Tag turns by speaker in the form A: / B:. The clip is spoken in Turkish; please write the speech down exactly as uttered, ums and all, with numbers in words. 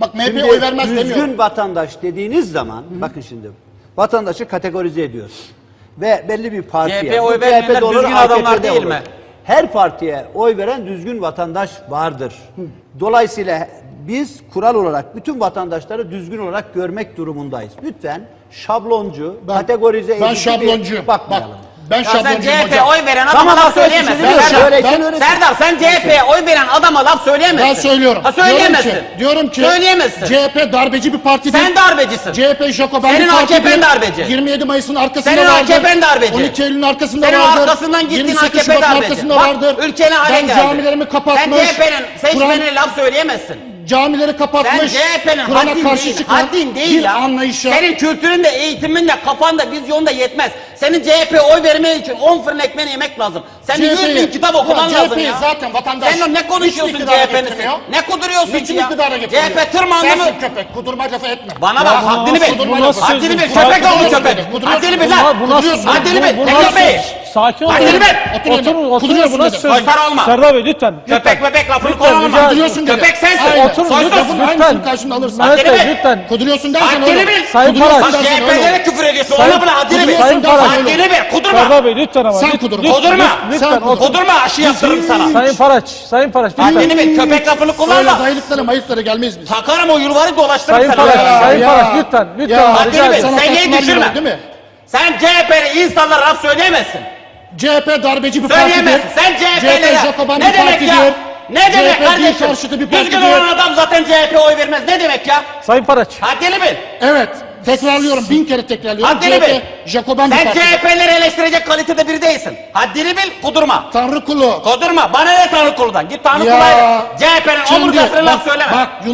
A: Bak M H P'ye oy vermez
B: düzgün
A: demiyorum.
B: Düzgün vatandaş dediğiniz zaman, Hı. bakın şimdi, vatandaşı kategorize ediyoruz. Ve belli bir partiye,
C: C H P'ye oy vermeyenler
B: olur,
C: düzgün adamlar değil
B: olur.
C: mi?
B: Her partiye oy veren düzgün vatandaş vardır. Hı. Dolayısıyla biz kural olarak bütün vatandaşları düzgün olarak görmek durumundayız. Lütfen şabloncu,
A: Ben,
B: kategorize edici
A: ben şabloncu.
B: bakmayalım.
A: Bak, ben
C: ya sen
A: şabloncu
C: C H P'ye
A: hocam.
C: oy veren adama
B: Tamam,
C: laf
B: ben
C: söyleyemezsin.
B: söyleyeyim,
C: Serdar,
B: söyleyeyim,
C: ben,
B: öğretin.
C: Serdar sen C H P'ye oy veren adama laf söyleyemezsin.
A: Ben söylüyorum.
C: Ha söyleyemezsin.
A: Diyorum ki, diyorum ki
C: söyleyemezsin.
A: C H P darbeci bir parti değil.
C: Sen darbecisin.
A: C H P Jacoben
C: Senin
A: bir parti
C: A K P'n
A: değil.
C: darbeci.
A: yirmi yedi Mayıs'ın arkasında
C: Senin
A: vardır.
C: A K P'n darbeci.
A: on iki Eylül'ün arkasında
C: Senin
A: vardır.
C: arkasından gittiğin
A: yirmi
C: A K
A: sekiz
C: P
A: Şubat'ın
C: darbeci.
A: arkasında
C: Bak
A: vardır.
C: ülkene hale
A: Ben
C: geldi.
A: camilerimi kapatmış.
C: Sen C H P'nin seçmenine
A: Kur'an-
C: laf söyleyemezsin.
A: Camileri kapatmış.
C: Sen C H P'nin
A: Kur'an'a
C: haddin
A: karşı
C: değil,
A: çıkan
C: haddin değil
A: bir
C: ya.
A: anlayışa.
C: Senin kültürün de, eğitimin de, kafan da, vizyonun da yetmez. Senin C H P'ye oy vermen için on fırın ekmeğini yemek lazım. Senin yüz bin kitap okuman
A: Ya
C: lazım
A: C H P
C: ya.
A: zaten vatandaş.
C: Sen ne konuşuyorsun
A: Hiçbir
C: C
A: iktidara
C: H P'nin?
A: getirmiyor.
C: Ne kuduruyorsun ki
A: Niçin
C: ya?
A: iktidara
C: C
A: getirmiyor?
C: H P tırmandı mı?
A: Sensin köpek. Kudurma lafı etme.
C: Bana bak,
A: Ya,
C: haddini bil.
A: kudurma
D: Bu
A: lafı.
D: nasıl
C: Haddini bil,
D: söz?
C: köpek oğlu
A: Kuduruyorsun
C: köpek.
A: beni, kuduruyorsun.
C: Haddini bil
A: Bu-
C: lan.
D: Bu nasıl?
C: Haddini bil,
D: Bu
C: Tekir
D: nasıl?
C: Bey.
D: Sakin olun.
C: Haddini bil.
A: Otur
D: Oturun,
A: dedim.
D: oturun.
A: Kuduruyorsun
D: Bu nasıl
A: dedim.
D: söz?
C: Soytar olma.
D: Serdar Bey lütfen.
C: Köpek bebek lafını
D: Lütfen,
C: kullanma.
D: rica
A: Kuduruyorsun dedim.
C: Köpek sensin.
A: Aynen.
D: Oturun,
C: Soysuz.
D: lütfen.
A: Lafın aynısını karşında alırsın.
D: Mehmet
C: Haddini
D: Bey
C: bil.
D: lütfen.
A: Kuduruyorsun dersen
C: Haddini
A: öyle.
C: bil.
D: Sayın
A: Kuduruyorsun
D: Paraç.
C: Bak
A: dersen
C: C H P'lere
A: öyle.
C: küfür ediyorsun.
D: Sayın-
C: Ona bile haddini bil.
D: Sayın Paraç.
C: Haddini bil. Kudurma.
D: Serdar Bey lütfen ama.
A: Sen
D: Lüt-
A: kudur.
D: lüt-
C: Kudurma.
D: Lütfen
A: Sen
D: otur.
C: Kudurma, aşı yaptırırım sana.
D: Sayın Paraç. Sayın Paraç lütfen.
C: Haddini bil. Köpek lafını
A: Öyle
C: kullanma.
A: dayılıklara mayıklara gelmeyiz biz.
C: Takarım o yulvarı dolaştırırım
D: Sayın
C: sana.
D: Paraç.
C: Ya.
D: Sayın
A: ya.
D: Paraç lütfen. Lütfen.
A: Ya.
D: rica
C: Haddini bil.
D: ederim.
A: Sana
C: Seviyeyi
A: taktılar
C: düşürme.
A: yürüyor, değil mi?
C: Sen C H P'li insanlara laf söyleyemezsin.
A: C H P darbeci bir partidir.
C: Söyleyemezsin. Sen C H
A: C H P
C: P'lere
A: Jacoben
C: ne
A: bir
C: demek
A: partidir.
C: ya? Ne
A: C H
C: demek
A: P din
C: kardeşim?
A: karşıtı bir
C: Düzgün
A: partidir.
C: olan adam zaten C H P'ye oy vermez. Ne demek ya?
D: Sayın Paraç.
C: Haddini bil.
A: Evet. Tekrarlıyorum. Bin kere tekrarlıyorum.
C: Haddini
A: C H P
C: bil.
A: Jacoben bir
C: Sen C
A: partidir.
C: H P'leri eleştirecek kalitede biri değilsin. Haddini bil, kudurma.
A: Tanrı kulu.
C: Kudurma. Bana ne Tanrı kuludan? Git Tanrı
A: Ya.
C: kuluyla. C H P'nin
A: Şimdi
C: omurgasına laf
A: bak-
C: söyleme.
A: Bak